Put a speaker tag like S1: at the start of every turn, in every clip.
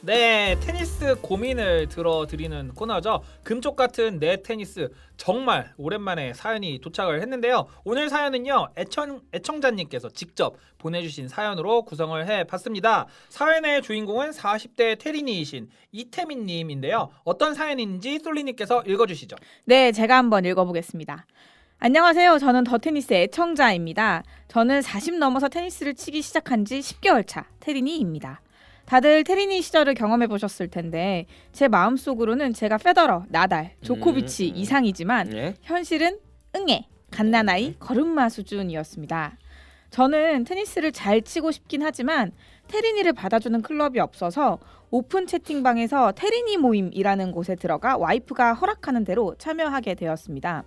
S1: 네, 테니스 고민을 들어드리는 코너죠. 금쪽 같은 내 테니스, 정말 오랜만에 사연이 도착을 했는데요. 오늘 사연은요, 애청자님께서 직접 보내주신 사연으로 구성을 해봤습니다. 사연의 주인공은 40대 테린이이신 이태민님인데요. 어떤 사연인지 솔리님께서 읽어주시죠.
S2: 네, 제가 한번 읽어보겠습니다. 안녕하세요. 저는 더 테니스 애청자입니다. 저는 40 넘어서 테니스를 치기 시작한 지 10개월 차 테린이입니다. 다들 테린이 시절을 경험해 보셨을 텐데 제 마음속으로는 제가 페더러, 나달, 조코비치 이상이지만
S3: 네?
S2: 현실은 응애, 갓난아이, 걸음마 수준이었습니다. 저는 테니스를 잘 치고 싶긴 하지만 테린이를 받아주는 클럽이 없어서 오픈 채팅방에서 테린이 모임이라는 곳에 들어가 와이프가 허락하는 대로 참여하게 되었습니다.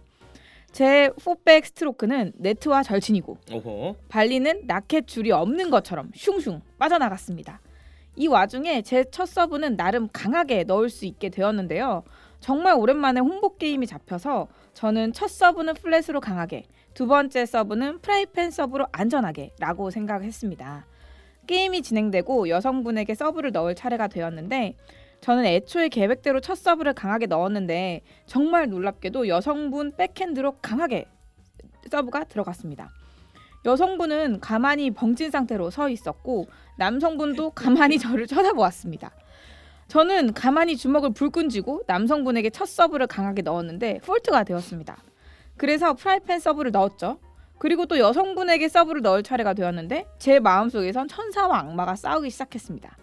S2: 제 포백 스트로크는 네트와 절친이고
S3: 오호.
S2: 발리는 라켓 줄이 없는 것처럼 슝슝 빠져나갔습니다. 이 와중에 제 첫 서브는 나름 강하게 넣을 수 있게 되었는데요. 정말 오랜만에 홍보 게임이 잡혀서 저는 첫 서브는 플랫으로 강하게, 두 번째 서브는 프라이팬 서브로 안전하게 라고 생각했습니다. 게임이 진행되고 여성분에게 서브를 넣을 차례가 되었는데 저는 애초에 계획대로 첫 서브를 강하게 넣었는데 정말 놀랍게도 여성분 백핸드로 강하게 서브가 들어갔습니다. 여성분은 가만히 벙찐 상태로 서 있었고 남성분도 가만히 저를 쳐다보았습니다. 저는 가만히 주먹을 불끈 쥐고 남성분에게 첫 서브를 강하게 넣었는데 폴트가 되었습니다. 그래서 프라이팬 서브를 넣었죠. 그리고 또 여성분에게 서브를 넣을 차례가 되었는데 제 마음속에선 천사와 악마가 싸우기 시작했습니다.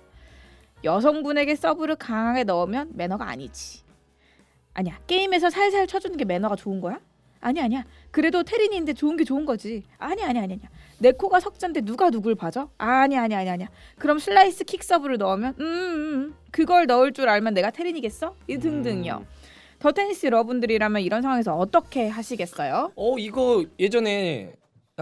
S2: 여성분에게 서브를 강하게 넣으면 매너가 아니지. 아니야, 게임에서 살살 쳐주는 게 매너가 좋은 거야? 아니야. 그래도 테린이인데 좋은 게 좋은 거지. 아니야. 내 코가 석잔데 누가 누굴 봐줘? 아니야. 그럼 슬라이스 킥 서브를 넣으면 그걸 넣을 줄 알면 내가 테린이겠어? 이 등등요. 더 테니스 여러분들이라면 이런 상황에서 어떻게 하시겠어요?
S3: 이거 예전에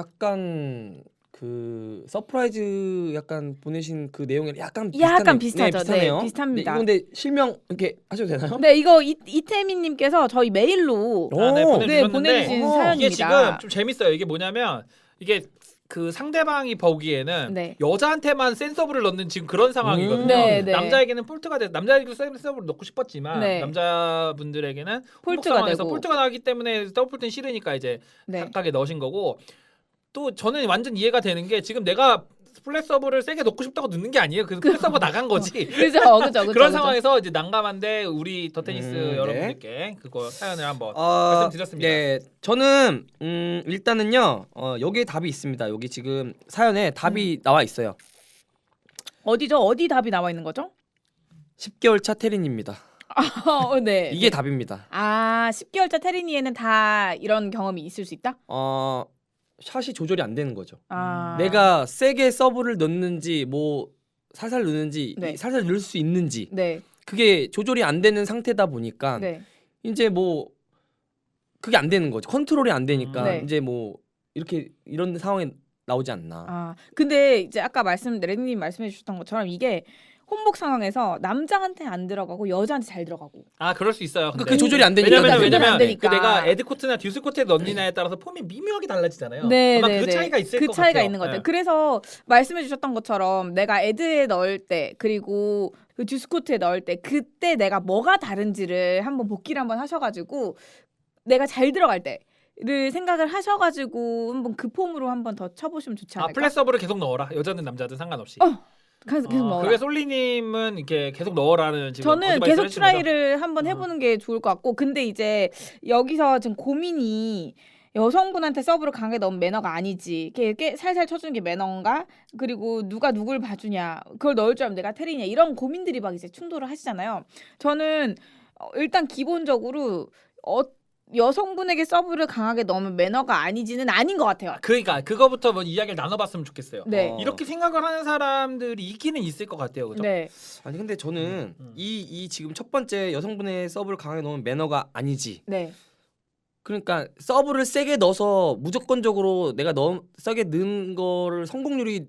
S3: 약간 그 서프라이즈 약간 보내신 그 내용이 약간
S2: 비슷하죠.
S3: 비슷하네요.
S2: 네, 비슷합니다.
S3: 네, 이건데 실명 이렇게 하셔도 되나요?
S2: 네, 이거 이태민님께서 저희 메일로
S1: 네, 보내주셨는데
S2: 보내주신 사연입니다.
S1: 이게 지금 좀 재밌어요. 이게 뭐냐면 이게 그 상대방이 보기에는
S2: 네.
S1: 여자한테만 센 서브를 넣는 지금 그런 상황이거든요.
S2: 네.
S1: 남자에게는 폴트가 남자에게도 센 서브를 넣고 싶었지만
S2: 네.
S1: 남자분들에게는
S2: 폴트가
S1: 상황에서
S2: 되고.
S1: 폴트가 나기 때문에 더블 폴트는 싫으니까 이제
S2: 네.
S1: 각각에 넣으신 거고 또 저는 완전 이해가 되는 게 지금 내가 플랫 서브를 세게 넣고 싶다고 넣는 게 아니에요. 그래서 플랫 서브 나간 거지.
S2: 그죠.
S1: 그런 상황에서 이제 난감한데 우리 더 테니스
S3: 네.
S1: 여러분들께 그거 사연을 한번 말씀드렸습니다.
S3: 네, 저는 일단은요 여기에 답이 있습니다. 여기 지금 사연에 답이 나와 있어요.
S2: 어디죠? 어디 답이 나와 있는 거죠?
S3: 10개월 차 테린입니다.
S2: 네.
S3: 이게 답입니다.
S2: 10개월 차 테린이에는 다 이런 경험이 있을 수 있다?
S3: 샷이 조절이 안 되는 거죠.
S2: 내가
S3: 내가 세게 서브를 넣는지 뭐 살살 넣는지
S2: 네.
S3: 살살 넣을 수 있는지
S2: 네.
S3: 그게 조절이 안 되는 상태다 보니까
S2: 네.
S3: 이제 뭐 그게 안 되는 거죠. 컨트롤이 안 되니까
S2: 네.
S3: 이제 뭐 이렇게 이런 상황에 나오지 않나.
S2: 근데 이제 아까 레니님 말씀해 주셨던 것처럼 이게 혼복 상황에서 남자한테 안 들어가고 여자한테 잘 들어가고.
S1: 그럴 수 있어요.
S3: 그게 조절이 안 되니까.
S1: 왜냐면
S2: 안 되니까.
S1: 그 내가 에드 코트나 듀스 코트에 넣느냐에 따라서 폼이 미묘하게 달라지잖아요.
S2: 네,
S1: 아마
S2: 네,
S1: 그
S2: 네.
S1: 차이가 있을
S2: 그
S1: 것
S2: 차이가
S1: 같아요.
S2: 있는 것 같아요.
S1: 네.
S2: 그래서 말씀해 주셨던 것처럼 내가 에드에 넣을 때 그리고 그 듀스코트에 넣을 때 그때 내가 뭐가 다른지를 한번 복기를 한번 하셔가지고 내가 잘 들어갈 때를 생각을 하셔가지고 한번 그 폼으로 한번 더 쳐보시면 좋지 않을까?
S1: 플랫 서브를 계속 넣어라. 여자든 남자든 상관없이.
S2: 계속 넣어라.
S1: 그게 솔리님은 이렇게 계속 넣어라는 지금
S2: 저는
S1: 어드바이스를
S2: 계속
S1: 해주신 거죠?
S2: 트라이를 한번 해보는 게 좋을 것 같고 근데 이제 여기서 지금 고민이 여성분한테 서브를 강하게 넣으면 매너가 아니지 이렇게 살살 쳐주는 게 매너인가 그리고 누가 누굴 봐주냐 그걸 넣을 줄 알면 내가 테리냐 이런 고민들이 막 이제 충돌을 하시잖아요. 저는 일단 기본적으로 여성분에게 서브를 강하게 넣으면 매너가 아니지는 아닌 것 같아요.
S1: 그러니까 그거부터 뭐 이야기를 나눠봤으면 좋겠어요.
S2: 네.
S1: 이렇게 생각을 하는 사람들이 있기는 있을 것 같아요. 그죠?
S2: 네.
S3: 아니 근데 저는
S1: 음.
S3: 이 지금 첫 번째 여성분의 서브를 강하게 넣으면 매너가 아니지.
S2: 네.
S3: 그러니까 서브를 세게 넣어서 무조건적으로 내가 세게 넣은 거를 성공률이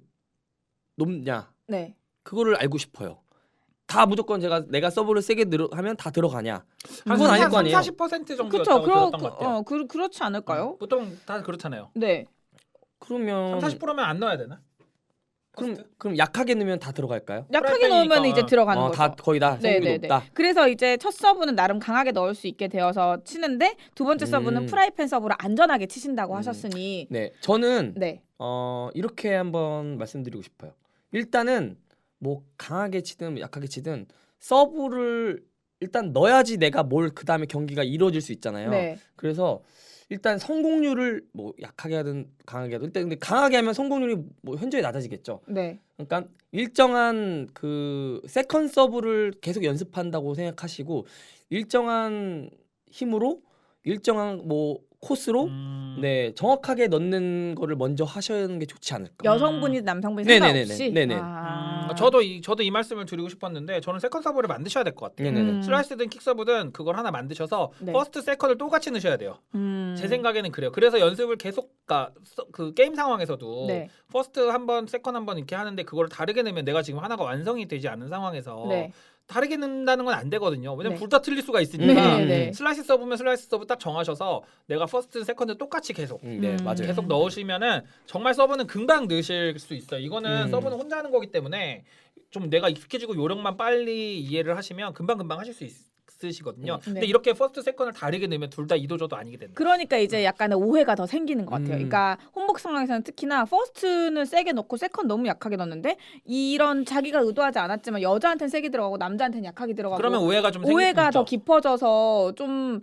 S3: 높냐
S2: 네.
S3: 그거를 알고 싶어요. 다 무조건 내가 서브를 세게 하면 다 들어가냐?
S1: 한
S3: 그건 아닐 거 아니에요.
S1: 40% 정도였다고
S2: 그렇죠.
S1: 들었던 것 같아요.
S2: 그렇지 않을까요?
S1: 보통 다 그렇잖아요.
S2: 네.
S3: 그러면
S1: 40%면 안 넣어야 되나?
S3: 그럼 약하게 넣으면 다 들어갈까요?
S2: 약하게
S1: 프라이팬이니까.
S2: 넣으면 이제 들어가는 거죠.
S3: 다 거의 다 성공률이
S2: 네네네.
S3: 높다.
S2: 그래서 이제 첫 서브는 나름 강하게 넣을 수 있게 되어서 치는데 두 번째 서브는 프라이팬 서브로 안전하게 치신다고 하셨으니
S3: 네, 저는
S2: 네.
S3: 이렇게 한번 말씀드리고 싶어요. 일단은 뭐 강하게 치든 약하게 치든 서브를 일단 넣어야지 내가 뭘 그 다음에 경기가 이루어질 수 있잖아요.
S2: 네.
S3: 그래서 일단 성공률을 뭐 약하게 하든 강하게 하든 일단 근데 강하게 하면 성공률이 뭐 현저히 낮아지겠죠.
S2: 네.
S3: 그러니까 일정한 그 세컨 서브를 계속 연습한다고 생각하시고 일정한 힘으로 일정한 뭐 코스로 네 정확하게 넣는 거를 먼저 하시는 게 좋지 않을까.
S2: 여성분이든 남성분이
S3: 네네네네.
S2: 상관없이.
S3: 네네.
S1: 저도 이 말씀을 드리고 싶었는데 저는 세컨 서브를 만드셔야 될 것 같아요.
S3: 네네네.
S1: 슬라이스든 킥 서브든 그걸 하나 만드셔서
S2: 네.
S1: 퍼스트 세컨을 똑같이 넣으셔야 돼요.
S2: 음.
S1: 제 생각에는 그래요. 그래서 연습을 계속 그 게임 상황에서도
S2: 네.
S1: 퍼스트 한번 세컨 한번 이렇게 하는데 그걸 다르게 내면 내가 지금 하나가 완성이 되지 않은 상황에서
S2: 네.
S1: 다르게 넣는다는 건 안 되거든요. 왜냐면
S2: 네.
S1: 둘 다 틀릴 수가 있으니까
S2: 네, 네.
S1: 슬라이스 서브면 슬라이스 서브 딱 정하셔서 내가 퍼스트 세컨드 똑같이 계속
S3: 네 맞아요.
S1: 계속 넣으시면은 정말 서브는 금방 넣으실 수 있어요. 이거는
S3: 음.
S1: 서브는 혼자 하는 거기 때문에 좀 내가 익숙해지고 요령만 빨리 이해를 하시면 금방 하실 수 있으시거든요. 근데
S2: 네.
S1: 이렇게 퍼스트 세컨을 다르게 넣으면 둘 다 이도저도 아니게 된다.
S2: 그러니까 이제 약간의 오해가 더 생기는 것 같아요.
S3: 음.
S2: 그러니까 혼복 상황에서는 특히나 퍼스트는 세게 넣고 세컨 너무 약하게 넣는데 이런 자기가 의도하지 않았지만 여자한테는 세게 들어가고 남자한테는 약하게 들어가고
S1: 그러면 오해가 좀 생길
S2: 오해가
S1: 수
S2: 더
S1: 있죠.
S2: 깊어져서 좀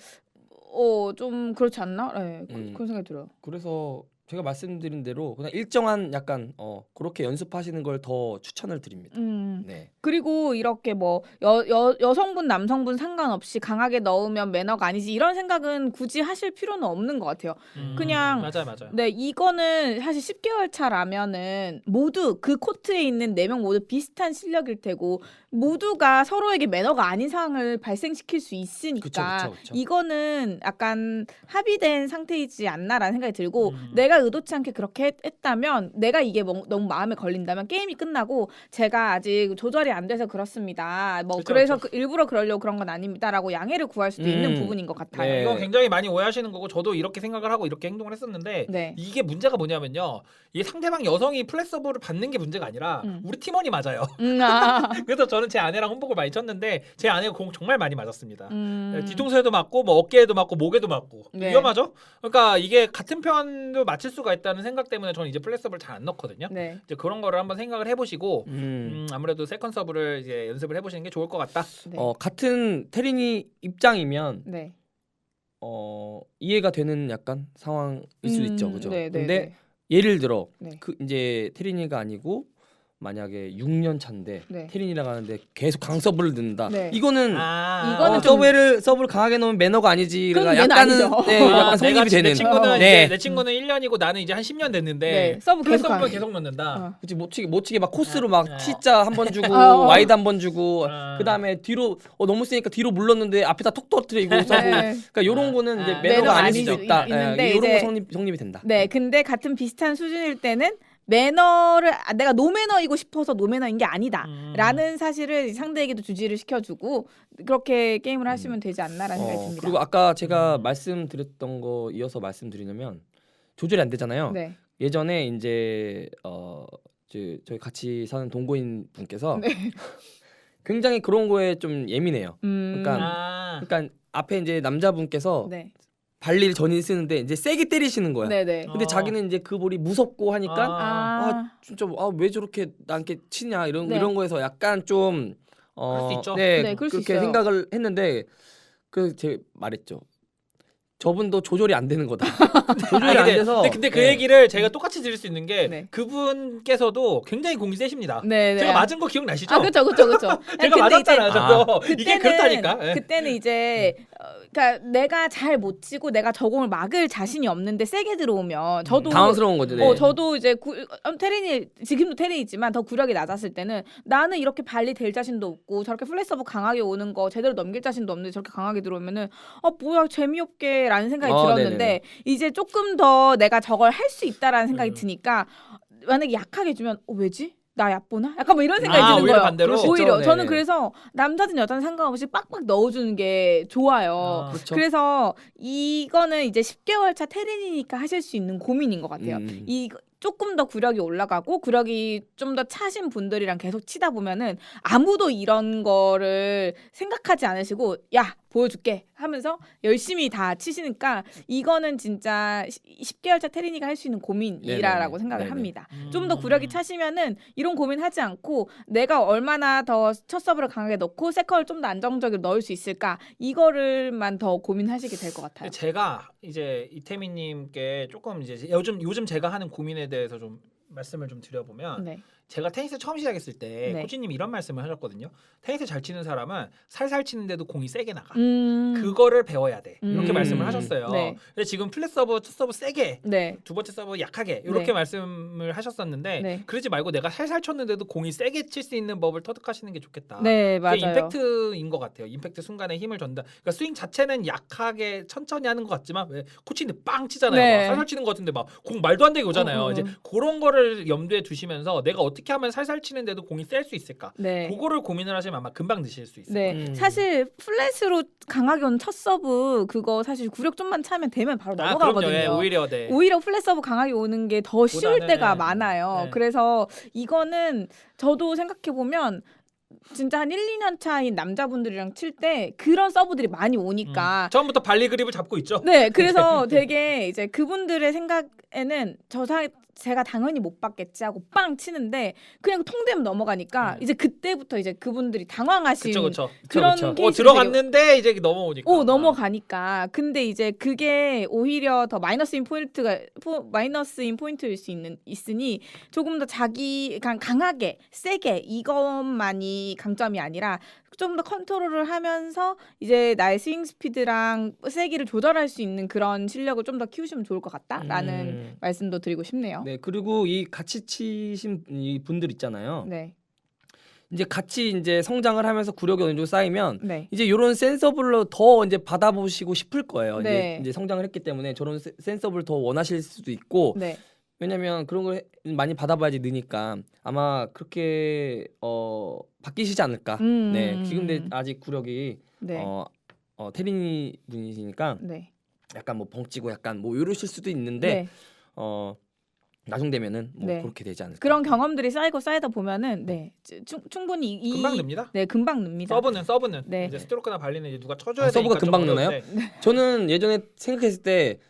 S2: 그렇지 않나? 네, 그런 생각이 들어요.
S3: 그래서 제가 말씀드린 대로 그냥 일정한 약간 그렇게 연습하시는 걸 더 추천을 드립니다. 네.
S2: 그리고 이렇게 뭐 여성분 남성분 상관없이 강하게 넣으면 매너가 아니지 이런 생각은 굳이 하실 필요는 없는 것 같아요. 그냥
S1: 맞아요.
S2: 네, 이거는 사실 10개월 차라면은 모두 그 코트에 있는 4명 모두 비슷한 실력일 테고 모두가 서로에게 매너가 아닌 상황을 발생시킬 수 있으니까
S3: 그쵸.
S2: 이거는 약간 합의된 상태이지 않나라는 생각이 들고 내가 의도치 않게 그렇게 했다면 내가 이게 너무 마음에 걸린다면 게임이 끝나고 제가 아직 조절이 안 돼서 그렇습니다. 뭐
S1: 그쵸,
S2: 그래서
S1: 그쵸.
S2: 일부러 그러려고 그런 건 아닙니다라고 양해를 구할 수도 있는 부분인 것 같아요.
S3: 네.
S1: 이거 굉장히 많이 오해하시는 거고 저도 이렇게 생각을 하고 이렇게 행동을 했었는데
S2: 네.
S1: 이게 문제가 뭐냐면요. 이게 상대방 여성이 플랫 서브를 받는 게 문제가 아니라 우리 팀원이 맞아요. 그래서 저는 제 아내랑 혼복을 많이 쳤는데 제 아내가 공 정말 많이 맞았습니다. 뒤통수에도 맞고 뭐 어깨에도 맞고 목에도 맞고
S2: 네.
S1: 위험하죠. 그러니까 이게 같은 편도 맞힐 수가 있다는 생각 때문에 저는 이제 플랫 서브를 잘 안 넣거든요.
S2: 네.
S1: 이제 그런 거를 한번 생각을 해보시고 아무래도 세컨 서브를 이제 연습을 해보시는 게 좋을 것 같다.
S2: 네.
S3: 같은 테린이 입장이면
S2: 네.
S3: 이해가 되는 약간 상황일 수도 있죠, 그죠?
S2: 네, 네,
S3: 근데
S2: 네.
S3: 예를 들어
S2: 네.
S3: 그 이제 테린이가 아니고 만약에 6년 차인데
S2: 네.
S3: 테린이랑 하는데 계속 강서브를 넣는다.
S2: 네.
S3: 이거는
S2: 이거는 좀-
S3: 서브를 강하게 넣으면 매너가 아니지.
S2: 그건
S3: 그러니까
S2: 매너
S3: 약간은
S2: 아니죠.
S3: 네, 약간 성립이 되는.
S1: 내 친구는
S3: 네.
S1: 이제 내 친구는 1년이고 나는 이제 한 10년 됐는데
S2: 네, 서브
S1: 플랫
S2: 계속
S1: 서브만
S2: 하네.
S1: 계속 넣는다.
S3: 그치 못 치게 막 코스로 막
S1: 아.
S3: T자 한 번 주고 와이드 한 번 주고 그다음에 뒤로 너무 세니까 뒤로 물렀는데 앞에다 톡 터뜨리고 서브.
S2: 네.
S3: 그러니까 요런 거는 이제
S1: 아.
S3: 매너가
S2: 매너가
S3: 아닐 수도
S2: 아니죠.
S3: 있다.
S2: 있는데
S3: 요런 거
S2: 이제-
S3: 성립이 된다.
S2: 네, 근데 같은 비슷한 수준일 때는 매너를 내가 노매너이고 싶어서 노매너인 게 아니다라는 사실을 상대에게도 주지를 시켜주고 그렇게 게임을 하시면 되지 않나라는 생각이 듭니다.
S3: 그리고 아까 제가 말씀드렸던 거 이어서 말씀드리냐면 조절이 안 되잖아요.
S2: 네.
S3: 예전에 이제 저희 같이 사는 동거인 분께서 굉장히 그런 거에 좀 예민해요. 그러니까 그러니까 앞에 이제 남자분께서
S2: 네.
S3: 발리를 전인 쓰는데 이제 세게 때리시는 거야.
S2: 네네.
S3: 근데 자기는 이제 그 볼이 무섭고 하니까
S2: 아,
S3: 진짜 왜 저렇게 나한테 치냐 이런
S2: 네.
S3: 이런 거에서 약간 좀
S1: 그럴 수 있죠.
S2: 네, 그럴 수
S3: 그렇게
S2: 있어요.
S3: 생각을 했는데 제가 말했죠. 저분도 조절이 안 되는 거다. 조절이 안 돼서.
S1: 근데 그
S3: 네.
S1: 얘기를 제가 똑같이 드릴 수 있는 게
S2: 네.
S1: 그분께서도 굉장히 공이 세십니다.
S2: 네, 네.
S1: 제가 맞은 거 기억나시죠?
S2: 아, 그렇죠.
S1: 제가 맞았잖아요. 저도
S2: 그때는,
S1: 이게 그렇다니까. 예.
S2: 그때는 이제 그러니까 내가 잘 못 치고 내가 저 공을 막을 자신이 없는데 세게 들어오면 저도
S3: 당황스러운 거죠. 네.
S2: 저도 이제 테린이 지금도 테린이지만 더 구력이 낮았을 때는 나는 이렇게 발리 될 자신도 없고 저렇게 플랫 서브 강하게 오는 거 제대로 넘길 자신도 없는데 저렇게 강하게 들어오면은 뭐야 재미없게라는 생각이 들었는데
S3: 네네네.
S2: 이제 조금 더 내가 저걸 할 수 있다라는 생각이 드니까 만약에 약하게 주면 왜지? 나 얕보나? 약간 뭐 이런 생각이 드는
S1: 오히려
S2: 거예요.
S1: 반대로?
S3: 그럴 수 있죠.
S2: 오히려
S3: 네네.
S2: 저는 그래서 남자든 여자든 상관없이 빡빡 넣어주는 게 좋아요.
S3: 그렇죠.
S2: 그래서 이거는 이제 10개월 차 테린이니까 하실 수 있는 고민인 것 같아요. 이 조금 더 구력이 올라가고 구력이 좀 더 차신 분들이랑 계속 치다 보면은 아무도 이런 거를 생각하지 않으시고 야 보여줄게 하면서 열심히 다 치시니까 이거는 진짜 10개월차 테린이가 할 수 있는 고민이라고
S3: 네네네.
S2: 생각을
S3: 네네.
S2: 합니다. 좀 더 구력이 차시면은 이런 고민하지 않고 내가 얼마나 더 첫 서브를 강하게 넣고 세컨을 좀 더 안정적으로 넣을 수 있을까 이거를만 더 고민하시게 될 것 같아요.
S1: 제가 이제 이태민님께 조금 이제 요즘 제가 하는 고민에 대해서 좀 말씀을 좀 드려보면
S2: 네.
S1: 제가 테니스 처음 시작했을 때
S2: 네.
S1: 코치님이 이런 말씀을 하셨거든요. 테니스 잘 치는 사람은 살살 치는데도 공이 세게 나가.
S2: 음.
S1: 그거를 배워야 돼. 이렇게
S3: 음.
S1: 말씀을 하셨어요.
S2: 네.
S1: 근데 지금 플랫 서브, 첫 서브 세게,
S2: 네.
S1: 두 번째 서브 약하게 이렇게
S2: 네.
S1: 말씀을 하셨었는데
S2: 네.
S1: 그러지 말고 내가 살살 쳤는데도 공이 세게 칠 수 있는 법을 터득하시는 게 좋겠다.
S2: 네,
S1: 그게
S2: 맞아요.
S1: 임팩트인 것 같아요. 임팩트 순간에 힘을 전다. 그러니까 스윙 자체는 약하게 천천히 하는 것 같지만 왜 코치님 빵 치잖아요.
S2: 네.
S1: 막 살살 치는 것 같은데 막 공 말도 안 되게 오잖아요. 이제 그런 거를 염두에 두시면서 내가 어떻게 하면 살살 치는데도 공이 셀 수 있을까?
S2: 네.
S1: 그거를 고민을 하시면 아마 금방 드실 수 있어요.
S2: 네, 사실 플랫으로 강하게 온 첫 서브 그거 사실 구력 좀만 차면 되면 바로 넘어가거든요.
S1: 그럼요. 예, 오히려 네.
S2: 오히려 플랫 서브 강하게 오는 게 더 쉬울
S1: 보다는,
S2: 때가
S1: 네.
S2: 많아요.
S1: 네.
S2: 그래서 이거는 저도 생각해 보면 진짜 한 1, 2년 차인 남자분들이랑 칠 때 그런 서브들이 많이 오니까
S1: 처음부터 발리 그립을 잡고 있죠.
S2: 네, 그래서 되게 이제 그분들의 생각에는 제가 당연히 못 받겠지 하고 빵 치는데 그냥 통되면 넘어가니까 이제 그때부터 이제 그분들이 당황하신
S1: 그렇죠.
S2: 그런
S3: 그쵸.
S2: 케이스
S1: 들어갔는데 이제 넘어오니까.
S2: 넘어가니까 근데 이제 그게 오히려 더 마이너스인 포인트일 수 있으니 조금 더 자기 강하게 세게 이것만이 강점이 아니라 좀 더 컨트롤을 하면서 이제 나의 스윙 스피드랑 세기를 조절할 수 있는 그런 실력을 좀 더 키우시면 좋을 것 같다라는 말씀도 드리고 싶네요.
S3: 네, 그리고 이 같이 치신 이 분들 있잖아요.
S2: 네.
S3: 이제 같이 이제 성장을 하면서 구력이 어느 정도 쌓이면
S2: 네.
S3: 이제 이런 센서블로 더 이제 받아보시고 싶을 거예요.
S2: 네.
S3: 이제 성장을 했기 때문에 저런 센서블 더 원하실 수도 있고
S2: 네.
S3: 왜냐면 그런 걸 많이 받아봐야지 느니까 아마 그렇게 바뀌시지 않을까. 네, 지금 근데 아직 구력이
S2: 네.
S3: 테린이 분이시니까
S2: 네.
S3: 약간 뭐 벙찌고 약간 뭐 이러실 수도 있는데
S2: 네.
S3: 나중 되면은 뭐
S2: 네.
S3: 그렇게 되지 않을까.
S2: 그런 경험들이 쌓이다 보면은 네. 충분히
S1: 금방 늡니다.
S2: 네, 금방 늡니다.
S1: 서브는
S2: 네.
S1: 이제 스트로크나 발리는 이제 누가 쳐줘야
S3: 서브가
S1: 되니까 좀
S3: 금방 느나요?
S1: 어려운데.
S3: 저는 예전에 생각했을 때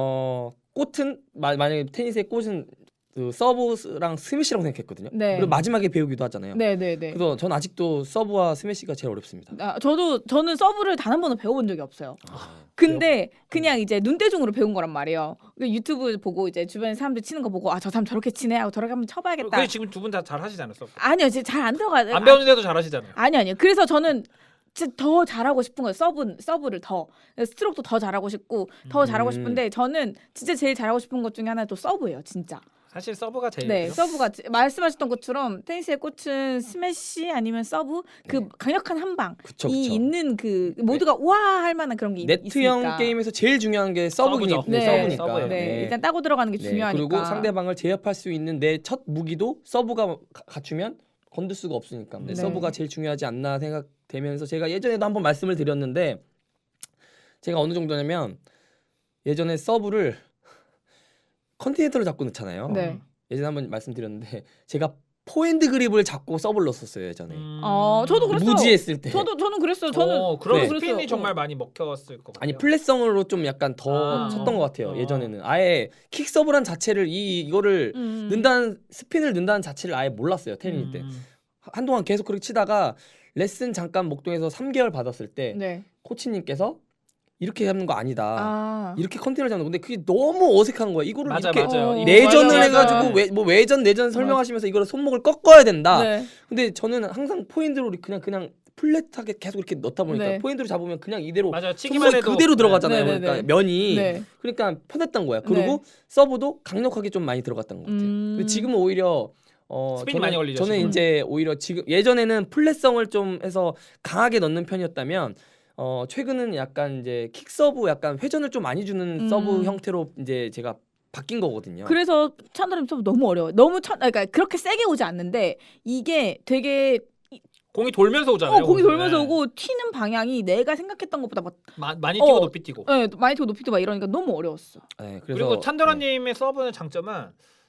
S3: 꽃은 만약에 테니스의 꽃은 그 서브랑 스매시라고 생각했거든요.
S2: 네.
S3: 그리고 마지막에 배우기도 하잖아요.
S2: 네.
S3: 그래서 전 아직도 서브와 스매시가 제일 어렵습니다.
S2: 저는 서브를 단 한 번도 배워본 적이 없어요. 근데 그냥 이제 눈대중으로 배운 거란 말이에요. 유튜브 보고 이제 주변에 사람들 치는 거 보고 저 사람 저렇게 치네 하고 저렇게 한번 쳐봐야겠다.
S1: 그게 지금 두 분 다 잘 하시지 않았어?
S2: 아니요, 잘 안 들어가요.
S1: 안 배우는데도 잘 하시잖아요.
S2: 아니요. 그래서 저는 진짜 더 잘하고 싶은 거예요. 서브를 더 스트로크도 더 잘하고 싶고 더 잘하고 싶은데 저는 진짜 제일 잘하고 싶은 것 중에 하나가 또 서브예요. 진짜.
S1: 사실 서브가 제일
S2: 네, 서브가 말씀하셨던 것처럼 테니스의 꽃은 스매시 아니면 서브 그 강력한 한 방이
S3: 그쵸.
S2: 있는 그 모두가 와 할 만한 그런 게
S3: 네트형
S2: 있으니까.
S3: 게임에서 제일 중요한 게 서브죠.
S2: 네,
S3: 서브니까.
S1: 서브예요.
S2: 네, 일단 따고 들어가는 게
S3: 네,
S2: 중요하니까.
S3: 그리고 상대방을 제압할 수 있는 내 첫 무기도 서브가 갖추면 건들 수가 없으니까.
S2: 네.
S3: 서브가 제일 중요하지 않나 생각되면서 제가 예전에도 한번 말씀을 드렸는데 제가 어느 정도냐면 예전에 서브를 컨티넨터를 잡고 넣잖아요.
S2: 네.
S3: 예전에 한번 말씀드렸는데 제가 포핸드 그립을 잡고 서브를 넣었었어요 예전에.
S2: 저도 그랬어요.
S3: 무지했을 때.
S2: 저는 그랬어요. 저는
S1: 그런
S3: 네.
S1: 스핀이
S2: 그랬어요.
S1: 정말 많이 먹혔을 것 같아요.
S3: 아니 플랫성으로 좀 약간 더 쳤던 것 같아요. 예전에는 아예 킥 서브란 자체를 이거를 넣는다는 스핀을 넣는다는 자체를 아예 몰랐어요 테니스 때. 한동안 계속 그렇게 치다가 레슨 잠깐 목동에서 3개월 받았을 때
S2: 네.
S3: 코치님께서 이렇게 잡는 거 아니다. 이렇게 컨테이너 잡는 건데 그게 너무 어색한 거야. 이거를
S1: 맞아,
S3: 이렇게
S1: 맞아요.
S3: 내전을
S2: 맞아.
S3: 해가지고 외전 내전 설명하시면서 이거를 손목을 꺾어야 된다.
S2: 네.
S3: 근데 저는 항상 포핸드로 그냥 플랫하게 계속 이렇게 넣다 보니까
S2: 네.
S3: 포핸드로 잡으면 그냥 이대로
S1: 맞아요. 치기만
S3: 손목이
S1: 해도
S3: 그대로 들어가잖아요.
S2: 네, 네,
S3: 그러니까
S2: 네.
S3: 면이
S2: 네.
S3: 그러니까 편했던 거야. 그리고
S2: 네.
S3: 서브도 강력하게 좀 많이 들어갔던 것 같아요. 근데 지금은 오히려
S1: 스핀이 많이 걸리죠,
S3: 저는
S1: 지금은.
S3: 이제 오히려 지금 예전에는 플랫성을 좀 해서 강하게 넣는 편이었다면 최근은 약간 이제 킥 서브 약간 회전을 좀 많이 주는 서브 형태로 이제 제가 바뀐 거거든요.
S2: 그래서 찬다림 서브 너무 어려워요. 그러니까 그렇게 세게 오지 않는데 이게 되게
S1: 공이 돌면서 오잖아요.
S2: 공이 돌면서
S1: 네.
S2: 오고 튀는 방향이 내가 생각했던 것보다 막
S1: 많이 뛰고 높이 뛰고.
S2: 네, 많이 뛰고 높이 뛰고 막 이러니까 너무 어려웠어.
S3: 네,
S1: 그리고 찬드라님의 서브의 장점은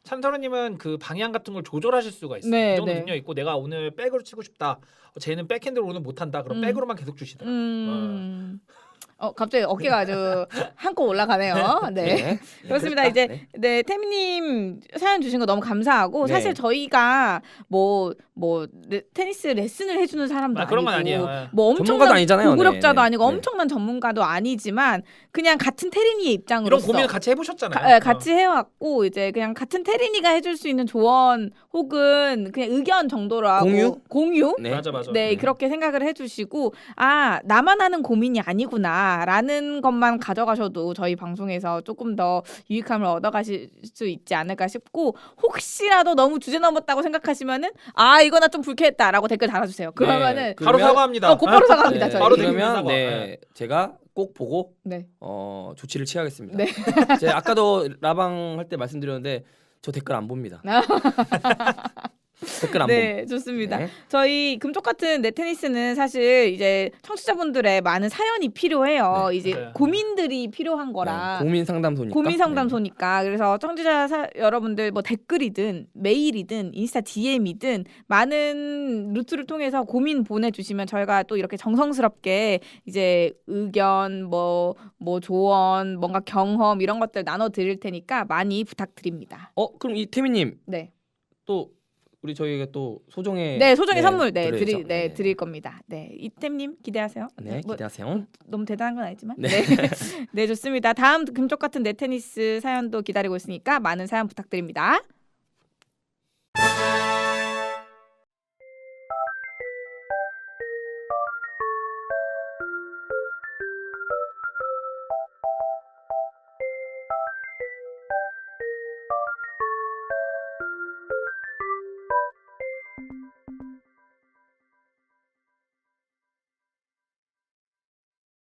S1: 찬서루님은 그 방향 같은 걸 조절하실 수가 있어요.
S2: 네,
S1: 그 정도
S2: 네.
S1: 능력 있고 내가 오늘 백으로 치고 싶다. 쟤는 백핸드로 오늘 못한다. 그럼 백으로만 계속 주시더라고요.
S2: 갑자기 어깨가 아주 한껏 올라가네요. 네. 그렇습니다. 이제 네 태미님 사연 주신 거 너무 감사하고
S3: 네.
S2: 사실 저희가 뭐 테니스 레슨을 해주는 사람도
S1: 그런 건
S2: 아니고
S1: 아니에요.
S2: 뭐
S3: 전문가도
S2: 엄청난
S3: 아니잖아요.
S2: 고구력자도
S3: 네, 네.
S2: 아니고
S3: 네.
S2: 엄청난 전문가도 아니지만 그냥 같은 테린이의
S1: 이런
S2: 입장으로서
S1: 고민을 같이 해보셨잖아요.
S2: 같이 해왔고 이제 그냥 같은 테린이가 해줄 수 있는 조언 혹은 그냥 의견 정도로 하고 공유
S3: 네.
S1: 맞아.
S2: 네, 그렇게 생각을 해주시고 아 나만 하는 고민이 아니구나라는 것만 가져가셔도 저희 방송에서 조금 더 유익함을 얻어가실 수 있지 않을까 싶고 혹시라도 너무 주제 넘었다고 생각하시면은 아 이거 나 좀 불쾌했다라고 댓글 달아주세요. 그러면은
S1: 바로 사과합니다.
S2: 곧바로 사과합니다.
S3: 네,
S2: 저희.
S1: 바로
S3: 그러면
S1: 댓글 사과.
S3: 네, 제가 꼭 보고
S2: 네.
S3: 조치를 취하겠습니다.
S2: 네.
S3: 제가 아까도 라방 할 때 말씀드렸는데 저 댓글 안 봅니다. 댓글 안
S2: 네, 좋습니다.
S3: 네.
S2: 저희 금쪽 같은 네테니스는 사실 이제 청취자분들의 많은 사연이 필요해요.
S3: 네,
S2: 이제
S1: 맞아요.
S2: 고민들이 필요한 거라.
S3: 네, 고민 상담소니까.
S2: 고민 상담소니까 그래서 청취자 여러분들 뭐 댓글이든 메일이든 인스타 DM이든 많은 루트를 통해서 고민 보내주시면 저희가 또 이렇게 정성스럽게 이제 의견 뭐 조언 뭔가 경험 이런 것들 나눠 드릴 테니까 많이 부탁드립니다.
S3: 그럼 이 태미님
S2: 네,
S3: 또 우리 저희가 또 소정의
S2: 소정의 선물
S3: 드려야죠.
S2: 드릴 겁니다. 네, 이템님 기대하세요.
S3: 네,
S2: 뭐,
S3: 기대하세요.
S2: 너무 대단한 건 아니지만
S3: 네.
S2: 네 좋습니다. 다음 금쪽 같은 네테니스 사연도 기다리고 있으니까 많은 사연 부탁드립니다.